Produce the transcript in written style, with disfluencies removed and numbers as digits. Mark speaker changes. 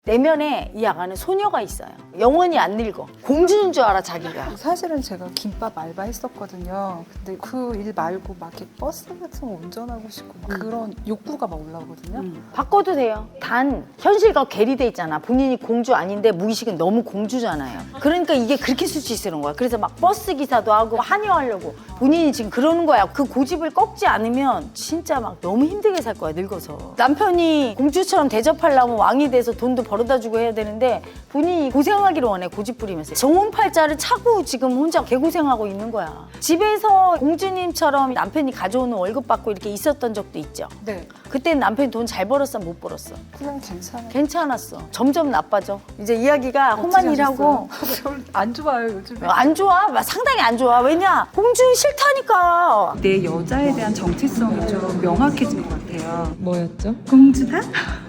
Speaker 1: 내면에 이 아가는 소녀가 있어요. 영원히 안 늙어. 공주인 줄 알아 자기가.
Speaker 2: 사실은 제가 김밥 알바했었거든요. 근데 그 일 말고 막 이렇게 버스 같은 거 운전하고 싶고 막 그런 욕구가 막 올라오거든요.
Speaker 1: 바꿔도 돼요. 단 현실과 괴리돼 있잖아. 본인이 공주 아닌데 무의식은 너무 공주잖아요. 그러니까 이게 그렇게 수치스러운 거야. 그래서 막 버스 기사도 하고 한의하려고 본인이 지금 그러는 거야. 그 고집을 꺾지 않으면 진짜 막 너무 힘들게 살 거야 늙어서. 남편이 공주처럼 대접하려면 왕이 돼서 돈도 벌어다 주고 해야 되는데 본인이 고생하기를 원해. 고집 부리면서 정혼팔자를 차고 지금 혼자 개고생하고 있는 거야. 집에서 공주님처럼 남편이 가져오는 월급 받고 이렇게 있었던 적도 있죠.
Speaker 2: 네.
Speaker 1: 그때는 남편이 돈 잘 벌었어 못 벌었어?
Speaker 2: 그냥 괜찮아요.
Speaker 1: 괜찮았어. 점점 나빠져. 이제 이야기가 험한 일하고
Speaker 2: 별로 안 좋아요 요즘에.
Speaker 1: 안 좋아? 상당히 안 좋아. 왜냐? 공주 싫다니까.
Speaker 3: 내 여자에 대한 정체성이 좀 명확해진 것 같아요.
Speaker 4: 뭐였죠?
Speaker 3: 공주다?